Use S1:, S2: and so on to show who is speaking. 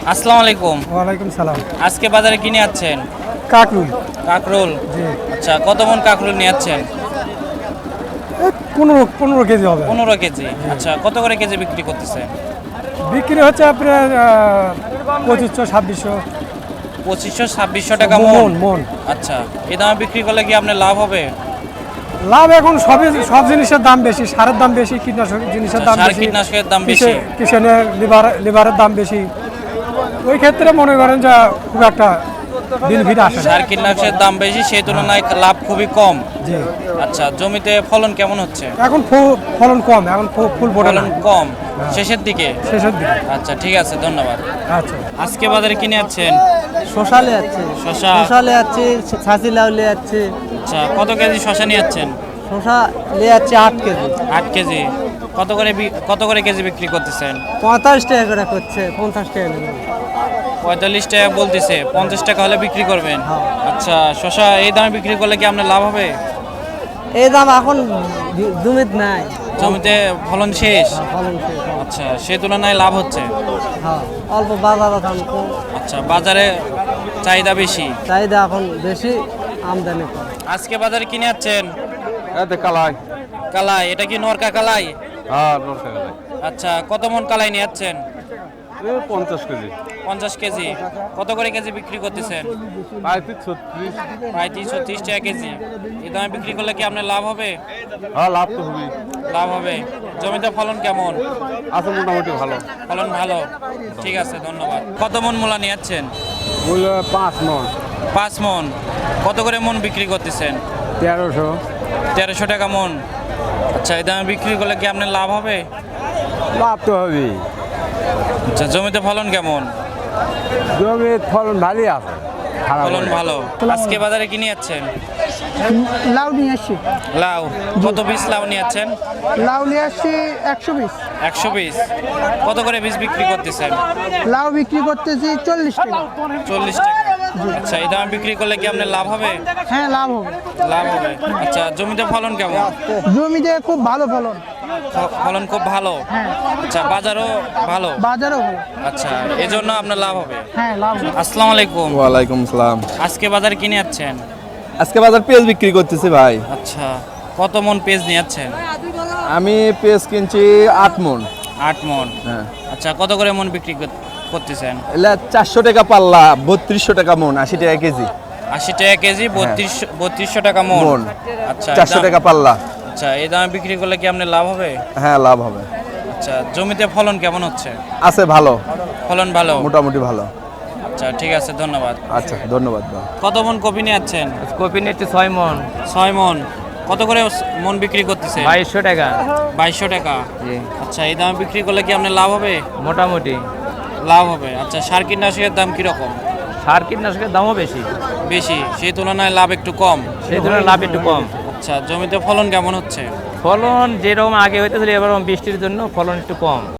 S1: আসসালামু আলাইকুম।
S2: ওয়ালাইকুম সালাম।
S1: আজকে বাজারে কি নিয়ে যাচ্ছেন?
S2: কাকরুল।
S1: কাকরোল।
S2: জি।
S1: আচ্ছা, কত মন কাকরোল নিয়ে যাচ্ছেন?
S2: 15 কেজি হবে।
S1: 15 কেজি। আচ্ছা, কত করে কেজি বিক্রি করতেছে?
S2: বিক্রি হচ্ছে আপনার 2500-2600
S1: 2500-2600 টাকা
S2: মন
S1: মন।
S2: মন।
S1: আচ্ছা, এই দামে বিক্রি করলে কি আপনার লাভ হবে?
S2: লাভ এখন সব জিনিসের দাম বেশি, সারের দাম বেশি, কীটনাশক জিনিসের দাম
S1: সার
S2: বেশি,
S1: কীটনাশকের দাম বেশি।
S2: কিষানের লিভারের দাম বেশি। ওই ক্ষেত্রে মনে করেন যে খুব একটা বিল ভিড় আসে না।
S1: সার কীটনাশকের দাম বেশি, সেই তুলনায় লাভ খুবই কম।
S2: জি।
S1: আচ্ছা, জমিতে ফলন কেমন হচ্ছে?
S2: এখন ফলন কম, এখন ফুল ফোটে না,
S1: ফলন কম, শেষের দিকে।
S2: শেষের দিকে।
S1: আচ্ছা, ঠিক আছে, ধন্যবাদ।
S2: আচ্ছা।
S1: আজকে বাজারে কিনে যাচ্ছেন?
S3: শশা লে যাচ্ছে,
S1: শশা।
S3: শশা লে যাচ্ছে, ছাঁচি লাউ লে যাচ্ছে।
S1: আচ্ছা, কত কেজি শশা নিয়ে যাচ্ছেন?
S3: শশা লে যাচ্ছে 8 কেজি।
S1: 8 কেজি। কত করে কেজি বিক্রি করতেছেন?
S3: 45 টাকা করে করছে, 50 টাকা নেবে।
S1: 45 টাকা বলতেছে, 50 টাকা হলে বিক্রি করবেন।
S3: হ্যাঁ।
S1: আচ্ছা, শশা এই দামে বিক্রি করলে কি আপনার লাভ হবে?
S3: এই দাম এখন জমিত নাই,
S1: জমিতে ফলন শেষ।
S3: ফলন শেষ।
S1: আচ্ছা, সেই তুলনায় লাভ হচ্ছে।
S3: হ্যাঁ, অল্প বাজার দাম কম,
S1: আচ্ছা, বাজারে চাহিদা বেশি।
S3: চাহিদা এখন বেশি, আমদানি কম।
S1: আজকে বাজারে কিনে যাচ্ছেন?
S4: এতে কালাই।
S1: কালাই, এটা কি নরকা কালাই?
S4: হ্যাঁ, নরসা কালাই।
S1: আচ্ছা, কত মন কালাই নিয়ে যাচ্ছেন?
S4: 50 কেজি।
S1: 50 কেজি। কত করে কেজি বিক্রি করতেছেন?
S4: 35-36।
S1: 35-36 টাকা কেজি। এই দামে বিক্রি করলে কি আপনার লাভ হবে?
S4: হ্যাঁ, লাভ তো হবেই।
S1: লাভ হবে। জমিতে ফলন কেমন?
S4: আছে মোটামুটি ভালো।
S1: ফলন ভালো। ঠিক আছে, ধন্যবাদ। কত মন মূলা নিয়ে যাচ্ছেন?
S4: মূল্য 5 মণ।
S1: 5 মন। কত করে মন বিক্রি করতেছেন?
S4: 1300।
S1: 1300 টাকা মন। আচ্ছা, এই দামে বিক্রি করলে কি আপনার লাভ হবে?
S4: লাভ তো হবেই।
S1: আচ্ছা, জমিতে ফলন কেমন?
S4: জমির ফলন ভালোই আছে। খারাপ
S1: ফলন
S4: হয়নি।
S1: ভালো। আজকে বাজারে কি নিয়ে যাচ্ছেন?
S5: লাউ নিয়ে আসছি,
S1: লাউ। কত পিস লাউ নিয়ে যাচ্ছেন?
S5: লাউ নিয়ে আসছি 100 পিস।
S1: 100 পিস। কত করে পিস বিক্রি করতেছেন?
S5: লাউ বিক্রি করতেছি 40 টাকা।
S1: 40 টাকা। আচ্ছা, এই দামে বিক্রি করলে কি আপনার লাভ হবে?
S5: হ্যাঁ, লাভ হবে।
S1: লাভ হবে। আচ্ছা, জমিতে ফলন কেমন?
S5: জমিতে খুব ভালো ফলন।
S1: ফলন খুব ভালো।
S5: হ্যাঁ,
S1: আচ্ছা, বাজারও ভালো।
S5: বাজারও ভালো।
S1: আচ্ছা, এজন্য আপনার লাভ হবে।
S5: হ্যাঁ, লাভ হবে।
S1: আসসালামু আলাইকুম।
S6: ওয়ালাইকুম সালাম।
S1: আজকে বাজারে কিনে যাচ্ছেন?
S6: আজকে বাজার পেঁয়াজ বিক্রি করতেছি ভাই।
S1: আচ্ছা, কত মন পেঁয়াজ নিয়ে যাচ্ছেন?
S6: আমি পেঁয়াজ কিনছি 8 মণ।
S1: 8 মন।
S6: হ্যাঁ,
S1: আচ্ছা, কত করে মন বিক্রি করতেছেন?
S6: এলা 400 টাকা পাল্লা, 3200 টাকা মণ, 80 টাকা কেজি।
S1: 80 টাকা কেজি, 3200 টাকা মন।
S6: মণ।
S1: আচ্ছা,
S6: 400 টাকা পাল্লা।
S1: আচ্ছা, এই দামে বিক্রি করলে কি আপনার লাভ হবে?
S6: হ্যাঁ, লাভ হবে।
S1: আচ্ছা, জমিতে ফলন কেমন হচ্ছে?
S6: আছে ভালো,
S1: ফলন ভালো।
S6: মোটামুটি ভালো।
S1: আচ্ছা, ঠিক আছে, ধন্যবাদ।
S6: আচ্ছা, ধন্যবাদ ভাই।
S1: কত মন কপি নিয়ে যাচ্ছেন?
S3: কপি নিচ্ছে 6 মন,
S1: 6 মন। কত করে মন বিক্রি করতেছে?
S3: 2200 টাকা।
S1: 2200 টাকা। আচ্ছা, এই দামে বিক্রি করলে কি আপনার লাভ হবে?
S3: মোটামুটি।
S1: লাভ হবে। আচ্ছা, সার কীটনাশকের দাম কিরকম?
S3: সার কীটনাশকের দামও বেশি,
S1: বেশি, সেই তুলনায় লাভ একটু কম।
S3: সেই তুলনায় লাভ একটু কম।
S1: আচ্ছা, জমিতে ফলন কেমন হচ্ছে?
S3: ফলন যেরকম আগে হইতেছিল, এবার বৃষ্টির জন্য ফলন একটু কম।